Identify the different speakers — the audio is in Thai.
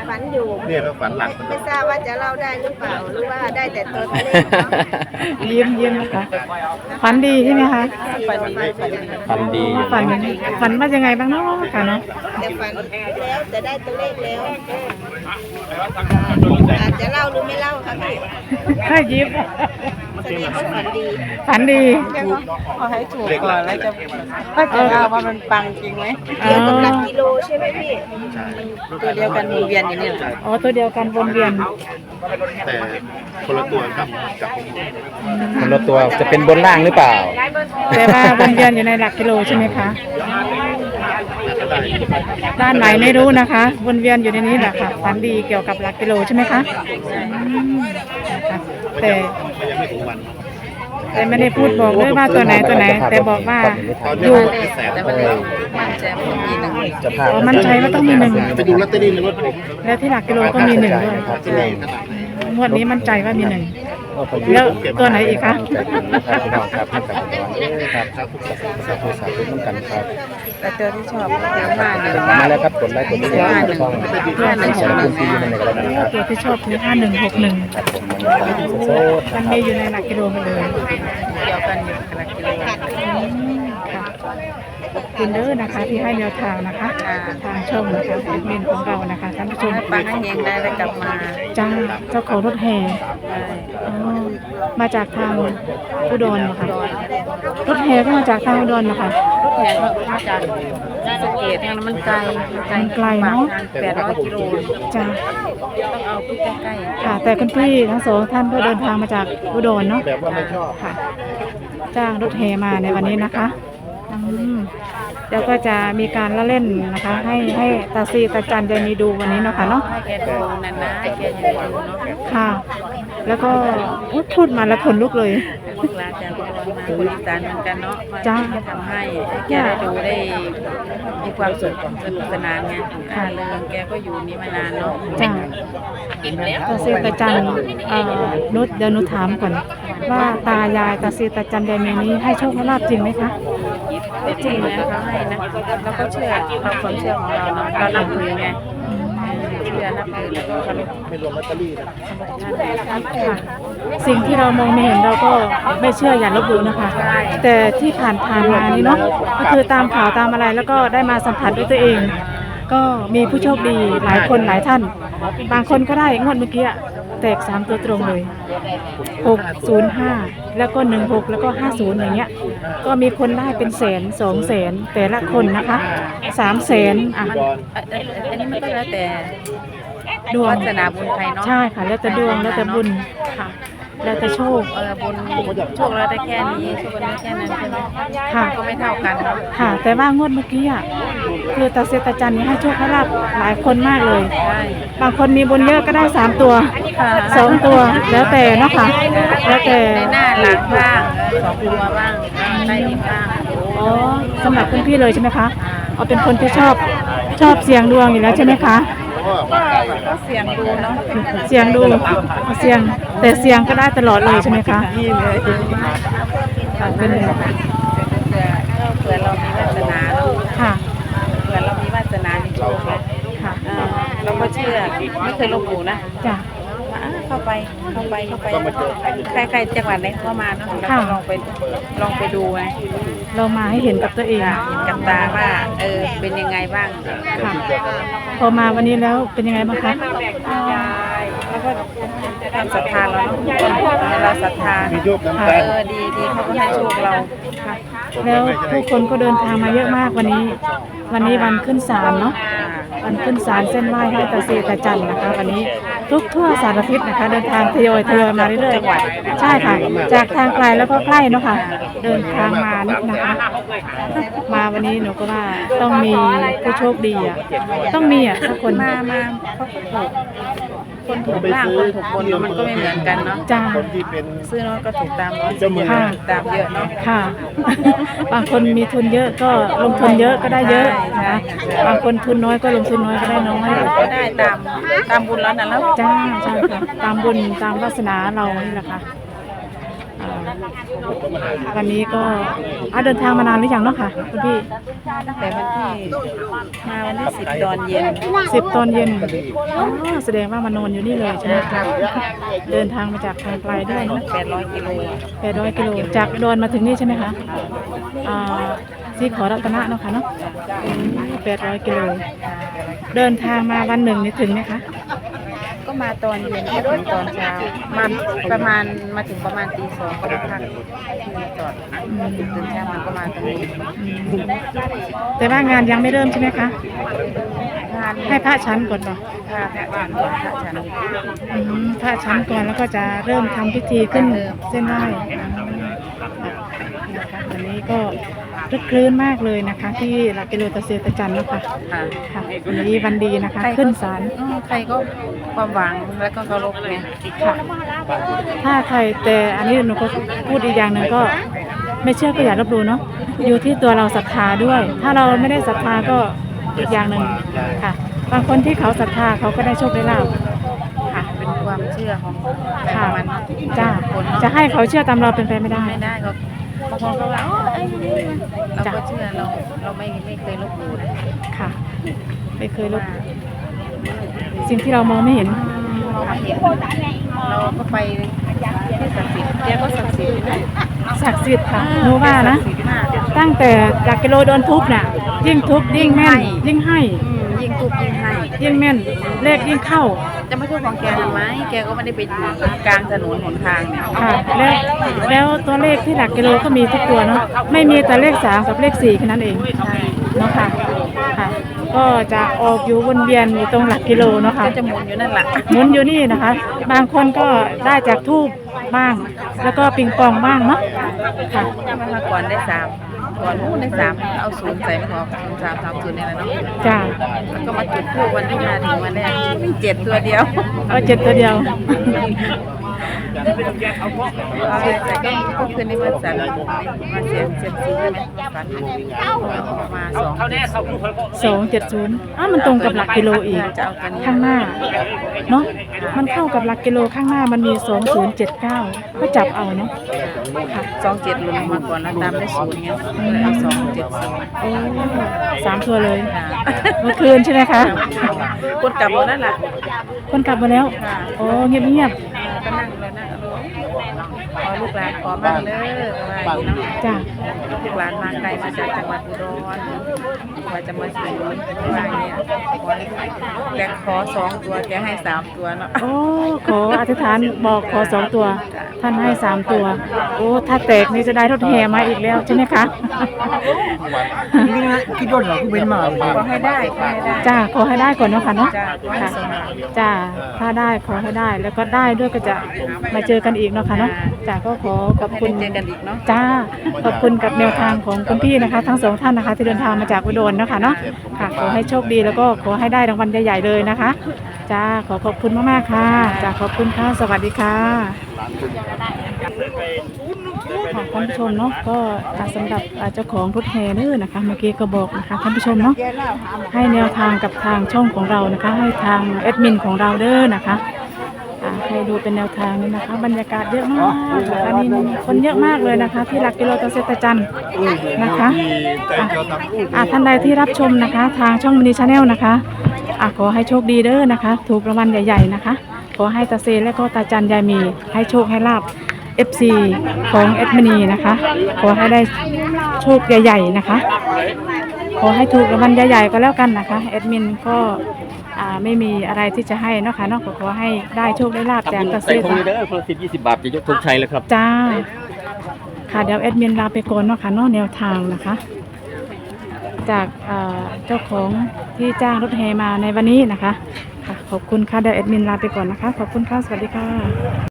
Speaker 1: ฝันอยู่
Speaker 2: เนี่ยก็ฝันหลัก
Speaker 1: ไม่ทราบว่าจะเล่าได้หรือเปล่าหรือว่าได้แต่ตัวเลขเนาะ
Speaker 3: ยิ้มนะคะฝันดีใช่ไหมคะ
Speaker 4: ฝันดี
Speaker 3: ฝันว่ายังไงบ้างเนาะค่ะเนาะ
Speaker 1: แต่ฝันแล้วจะได้ตัวเลขแล้วอาจจะเล่าหรือไม่เล่าค่ะพี่
Speaker 3: ถ้ายิ้ม
Speaker 1: แสดงว่าฝันดี
Speaker 3: ฝันดี
Speaker 5: ขอให้ถูกก่อนแล้วจะว่ามันปังจริงไหม
Speaker 1: เกี่ยวกับหลักกิโลใช่ไหมพี่
Speaker 5: ตัวเดียวกันวนเวียนอย่างนี้เหรอ
Speaker 3: อ๋อตัวเดียวกันวนเวียน
Speaker 2: แต่คนละตัวกับ
Speaker 4: คนละตัวจะเป็นบนล่างหรือเปล่า
Speaker 3: แต่ว่าวนเวียนอยู่ในหลักกิโลใช่ไหมคะด้านไหนไม่รู้นะคะวนเวียนอยู่ในนี้แหละค่ะฝันดีเกี่ยวกับหลักกิโลใช่ไหมคะนะคะแต่
Speaker 2: ยังไม่ถึงวัน
Speaker 3: แต่ไม่ได้พูดบอกด้วยว่าตัวไหนแต่บอกว่า
Speaker 2: ตอน
Speaker 3: อ
Speaker 2: นี้
Speaker 3: ยู่
Speaker 2: ไม่แสน
Speaker 5: แต่มันมันจะมีหนึ่ง
Speaker 4: จะพา
Speaker 3: อ๋อมั่นใจว่าต้องมีหนึ่ง
Speaker 2: ไปดูลอตเตอรี่ในรถ
Speaker 3: แล้วที่หลักกิโลก็มีหนึ่งด้วย
Speaker 4: ครับที่หนึ่ง
Speaker 3: งวดนี้มั่นใจว่ามีหนึ่งแล้วตัวไหนอีกคะ
Speaker 4: ครับพี่น้องครับให้กับพี่น้องครับสาธุน้ำกันครับ
Speaker 5: แต่ตัวที่ชอบก็คือ51
Speaker 4: มาแล้วครับกดไลค์กดติดตามช่องสารคุณพี่ในกระดานครับ
Speaker 3: ตัวที่ชอบคือ5161
Speaker 4: ครับผมโซด
Speaker 3: มันมีอยู่ในหลักกิโลมาเลย
Speaker 5: เดียวกันอยู่กับหลักกิโล
Speaker 3: ค่ะขอบคุณเด้อนะคะที่ให้แนวทางนะคะทางช่องนะคะแอดมินของเรานะคะท่านผู้ชม
Speaker 5: ให้ปังให้เฮงได้แล้วกลับมา
Speaker 3: จ้าเจ้าของรถแห่อ๋อมาจากทางอุดรเหรอคะรถแห่ก็มาจากทางอุดรเหรอคะ
Speaker 5: แผนมาจากสะเกตทางนั้นมันไกล
Speaker 3: มันไกลเนอะ
Speaker 5: 800 กิโล
Speaker 3: จ้า
Speaker 5: ต้องเอาที่ใกล้ๆ
Speaker 3: ค่ะ แต่คุณพี่ทั้งสองท่านก็เดินทางมาจากอุดรเนาะ
Speaker 2: แบบว่าไม่ชอบ
Speaker 3: ค่ะ จ้างรถแห่มาในวันนี้นะคะแล้วก็จะมีการละเล่นนะคะ ให้ตาซีตาจันยายมีดูวันนี้เนาะค่ะเนาะ
Speaker 5: ให้แกดูนานๆแกจะได้ดูเนาะ
Speaker 3: ค่ะ แล้วก็พูดมาแล้วขนลุกเลย
Speaker 5: ลูกหลานจากอุดรมาคนอีสานเหมือนกันเนาะมา
Speaker 3: จ้า
Speaker 5: ทำให้แกได้ดูได้มีความสุขสนุกสนานไงเริงแกก็อยู่นี่มานานเนาะ
Speaker 3: จ้าตาซีตาจันนุชเดี๋ยวนุชถามก่อนว่าตายายตาซีตาจันยายมีนี้ให้โชคให้ลาบจริงไหมคะ
Speaker 5: จริงนะเขาให้นะเราก็เชื่อเราความเชื่อของเราเนาะเรานับถือไงเชื่อนับถือแล้วก็เคารพ
Speaker 2: ไม่รวมลอตเตอรี่นะ
Speaker 3: ค่ะสิ่งที่เรามองไม่เห็นเราก็ไม่เชื่ออย่าลบหลู่นะคะ แต่ที่ผ่านมานี่เนาะก็คือตามข่าวตามอะไรแล้วก็ได้มาสัมผัสด้วยตัวเอง ก็มีผู้โชคดีหลายคนหลายท่าน บางคนก็ได้งวดเมื่อกี้แตก3ตัวตรงเลย605แล้วก็16แล้วก็50อย่างเงี้ยก็มีคนได้เป็นแสน2 แสนแต่ละคนนะคะ3 แสนอ่ะ
Speaker 5: อันนี้มันก็แล้วแต่
Speaker 3: ดวง
Speaker 5: วาสนาบุญใครเนาะ
Speaker 3: ใช่ค่ะแล้วแต่ดวงแล้วแต่บุญค่ะแล้วแต่โชค
Speaker 5: บุญโชคเราได้แค่นี้โชคเราได้แค่นั้นใช่ไหม
Speaker 3: ค่ะ
Speaker 5: ก็ไม่เท่ากันเนาะ
Speaker 3: ค่ะ แต่ว่างวดเมื่อกี้อ่ะคือตาเซตาจันนี่ให้โชคให้ลาบหลายคนมากเลย
Speaker 5: ใช่
Speaker 3: บางคนมีบุญเยอะก็ได้3 ตัว
Speaker 5: ค่ะ
Speaker 3: 2 ตัวแล้วแต่เนาะค่ะแล้วแต่
Speaker 5: ในหน้าหลังบ้าง2 ตัวบ้างใต้ดินบ้าง
Speaker 3: อ๋อสำหรับคุณพี่เลยใช่ไหมคะเอาเป็นคนที่ชอบเสี่ยงดวงอยู่แล้วใช่ไหมคะ
Speaker 5: ก็เสียงดูเนาะ
Speaker 3: เสี่ยงดูเสี่ยงแต่เสี่ยงก็ได้ตลอดเลยใช่ไหมคะ
Speaker 5: นี่เลย
Speaker 3: ค่ะเป็น
Speaker 5: เผื่อเรามีวาสนาเนาะ
Speaker 3: ค่ะ
Speaker 5: เผื่อเรามีวาสนามีโชคนะ
Speaker 3: ค่ะ
Speaker 5: เราก็เชื่อไม่เคยลบหลู่นะ
Speaker 3: จ้ะ
Speaker 5: เข้าไปใครจังหวัดไหนเข้ามาเนาะเราก็ลองไปดูไง
Speaker 3: เรามาให้เห็นกับตัวเอง
Speaker 5: เห็นกับตาว่าเป็นยังไงบ้าง
Speaker 3: ค่ะพอมาวันนี้แล้วเป็นยังไงบ้างคะ
Speaker 5: แล้วก็ความศรัทธาเราเนาะเราศรัทธา
Speaker 2: มีโยกน้ำตาล
Speaker 5: ดีเขาก็ให้โชคเรา
Speaker 3: ค่ะแล้วผู้คนก็เดินทางมาเยอะมากวันนี้วันขึ้นศาลเนาะวันขึ้นศาลเส้นไหว้ให้ตาเซตาจันนะคะวันนี้ทุกทั่วสารทิศนะคะเดินทางทยอยมาเรื่อยๆใช่ค่ะ จากทางไกลแล้วก็ใกล้เนาะค่ะเดินทางมานี่นะคะ มาวันนี้หนูก็ว่าต้องมีผู้โชคดีอ่ะต้องมีอ่ะทุกคน
Speaker 5: มาเขาก็ถูกคนถูกล่างคนถูกบนมันก็ไม่เหมือนกันเนาะ
Speaker 3: จ้า
Speaker 2: คนที่เป็น
Speaker 5: ซื้อน้อยก็ถูกตามน้อยซื้อเยอะก็ถูกตามเยอะเนาะ
Speaker 3: ค่ะ บางคนมีทุนเยอะก็ลงทุนเยอะก็ได้เยอะนะบางคนทุนน้อยก็ลงทุนน้อยก็ได้น้อย
Speaker 5: ก็ได้ตามบุญแล้วนะแล้ว
Speaker 3: จ้าใช่ค่ะตามบุญตามวาสนาเรานี่แหละค่ะวันนี้ก็เดินทางมานานหรือยังเนาะค่ะคุณพี่
Speaker 5: ตั้งแต่วันที่มาวันที่10 ตอนเย็น
Speaker 3: 10 ตอนเย็นอ๋อแสดงว่ามานอนอยู่นี่เลยใช่ไหมคะเดินทางมาจากทางไกลด้วยเนาะ
Speaker 5: 800 กิโล
Speaker 3: 800 กิโลจากอุดรมาถึงนี่ใช่ไหมคะสีขอรัตนะเนาะค่ะเนาะ800 กิโลเดินทางมาวันหนึ่งนี่ถึงไหมคะ
Speaker 5: ก็มาตอนเย็นก็ถึงตอนเช้ามาประมาณมาถึงประมาณตี 2ก็ได้พักที่จอดตื่นเช้ามันก็มาตรงนี้
Speaker 3: แต่ว่างานยังไม่เริ่มใช่ไหมคะ
Speaker 5: งาน
Speaker 3: ให้พระชั้นก่อนเนาะ
Speaker 5: พระฉันก่อนพระฉัน
Speaker 3: พระชั้นก่อนแล้วก็จะเริ่มทำพิธีขึ้นเส้นไหว้นะคะวันนี้ก็รึกคลื้นมากเลยนะคะ ที่หลักกิโลตะเซตะจันนะคะ
Speaker 5: ค่ะ
Speaker 3: ค่ะวันนี้วันดีนะคะ ขึ้นศาล
Speaker 5: ใครก็ความหวังแล้วก็เคารพไง
Speaker 3: ค่ะถ้าใครแต่อันนี้หนูก็พูดอีกอย่างหนึ่งก็ไม่เชื่อก็อย่าลบหลู่เนาะอยู่ที่ตัวเราศรัทธาด้วย ถ้าเราไม่ได้ศรัทธาก็อีกอย่างหนึ่งค่ะบางคนที่เขาศรัทธาเขาก็ได้โชคได้ลาภค่ะ
Speaker 5: เป็นความเชื่อของแต่
Speaker 3: ค่ะ
Speaker 5: มัน
Speaker 3: จ้า
Speaker 5: คน
Speaker 3: จะให้เขาเชื่อตามเราเป็นไปไม่ได้
Speaker 5: ไม่ได้ก็บางคนก็ว่าไอ้นี่เราก็เชื่อเราไม่เคยลบหลู่นะ
Speaker 3: ค่ะ ไม่เคยลบสิ่งที่เรามองไม่เห็น
Speaker 5: เราไม่เห็นเราก็ไปที่ศักดิ์สิทธิ์แกก็ศักดิ์สิทธิ์นะ
Speaker 3: ศักดิ์สิทธิ์ค่ะหนูว่านะ
Speaker 5: ศักดิ์สิทธิ์มาก
Speaker 3: ตั้งแต่หลักกิโลโดนทุบน่ะ ยิ่งทุบยิ่งแม่น ยิ่งให้
Speaker 5: ยิ่งทุบยิ่งให้
Speaker 3: ยิ่งแม่น เลขยิ่งเข้า
Speaker 5: จะไม่ทุบของแกทำไมแกก็ไม่ได้ไปอยู่กลางถนนหนทางเนี่ย
Speaker 3: ค่ะ แล้วตัวเลขที่หลักกิโลก็มีทุกตัวเนาะไม่มีแต่เลข3กับเลข4แค่นั้นเอง
Speaker 5: ใช่
Speaker 3: เนาะค่ะค่ะ ก็จะออกอยู่วนเวียนอยู่ตรงหลักกิโลเนาะค่ะ
Speaker 5: ก็จะหมุนอยู่นั่นแหละ
Speaker 3: หมุนอยู่นี่นะคะ บางคนก็ได้จากทูบบ้าง แล้วก็ปิงปองบ้างเนาะค่ะ
Speaker 5: มาก่อนได้3ก่อนนู้นได้3เอา0ใส่ไม่ออก0330นี่แหละเนาะ
Speaker 3: จ้า
Speaker 5: แล้วก็มาจุดธูปวันที่มาถึงวันแรก7 ตัวเดียว
Speaker 3: เอา7 ตัวเดียว
Speaker 5: เอาแต่ก็คืนนี้มาสั่นมาเสียงซีใช่ไหมฝันมา
Speaker 3: 270มันตรงกับหลักกิโลอีก
Speaker 5: จะเอาตัวนี้
Speaker 3: ข้างหน้าเนาะมันเข้ากับหลักกิโลข้างหน้ามันมี2079ก็จับเอาเนาะค่ะ
Speaker 5: 27หลุดมาก่อนแล้วตามได้0เงี้ยเลยเอา270
Speaker 3: โอ้3 ตัวเลยเมื่อคืนใช่ไหมคะ
Speaker 5: กดกลับหมดนั่นแหละ
Speaker 3: คนกลับมาแล้วโอ้เงียบ
Speaker 5: ก็นั่งเลยนะขอลูกหลานขอบ้างเด้ออะไรอย่างนี้เนาะ
Speaker 3: ๆจ้า
Speaker 5: ลูกหลานมาไกลมาจากจังหวัดอุดรกว่าจะมาถึงอะไรเนี่ยแต่ขอ2 ตัวแกให้3 ตัวเนาะ
Speaker 3: โอ้ขออธิษฐานบอกขอ2 ตัว ท่านให้3 ตัว โอ้ถ้าแตกนี่จะได้รถแห่มาอีกแล้วใช่ไหมคะ
Speaker 2: นี่นะคิดว่าเราเป็นมาเลย
Speaker 5: ขอให้ได้ขอให้ได้
Speaker 3: จ้าขอให้ได้ก่อนเนาะค่ะเนาะ
Speaker 5: จ้าขอให้สมหวัง
Speaker 3: จ้าถ้าได้ขอให้ได้แล้วก็ได้ด้วยก็จะมาเจอกันอีกเนาะค่ะเนาะจ้าก็ขอขอบ
Speaker 5: ให้
Speaker 3: คุณ
Speaker 5: ได้เจอกันอีกเนาะ
Speaker 3: จ้าขอบคุณกับแนวทางของคุณพี่นะคะ ทั้ง2 ท่านนะคะ ที่เดินทางมาจากอุดรเนาะค่ะเนาะค่ะขอให้โชคดีแล้วก็ขอให้ได้รางวัลใหญ่ๆเลยนะคะจ้าขอบคุณมากๆค่ะจ้าขอบคุณค่ะสวัสดีค่ะค่ะท่านผู้ชมเนาะก็สำหรับเจ้าของรถแห่เด้อนะคะเมื่อกี้ก็บอกนะคะท่านผู้ชมเนาะให้แนวทางกับทางช่องของเรานะคะ ให้ทางแอดมินของเราเด้อนะคะให้ดูเป็นแนวทางนี้นะคะ บรรยากาศเยอะมากนะคะนี่คนเยอะมากเลยนะคะ ที่หลักกิโลตะเซตะจันนะคะท่านใดที่รับชมนะคะ ทางช่องมินิชาแนลนะคะขอให้โชคดีเด้อนะคะ ถูกรางวัลใหญ่ๆนะคะขอให้ตาเซและก็ตาจันยายมีให้โชคให้ลาบ FC ของแอดมินีนะคะขอให้ได้โชคใหญ่ๆนะคะขอให้ถูกรางวัลใหญ่ๆก็แล้วกันนะคะแอดมินก็ไม่มีอะไรที่จะให้เนาะค่ะเนาะขอให้ได้โชคได้ลาบจากตาเซ
Speaker 4: ใส่ถุงนี้เด้อคนละ10-20 บาทจะยกธงชัยเลยครับ
Speaker 3: จ้าค่ะเดี๋ยวแอดมินลาไปก่อนเนาะค่ะเนาะแนวทางนะคะ จากเจ้าของที่จ้างรถแห่มาในวันนี้นะคะค่ะขอบคุณค่ะเดี๋ยวแอดมินลาไปก่อนนะคะขอบคุณค่ะสวัสดีค่ะ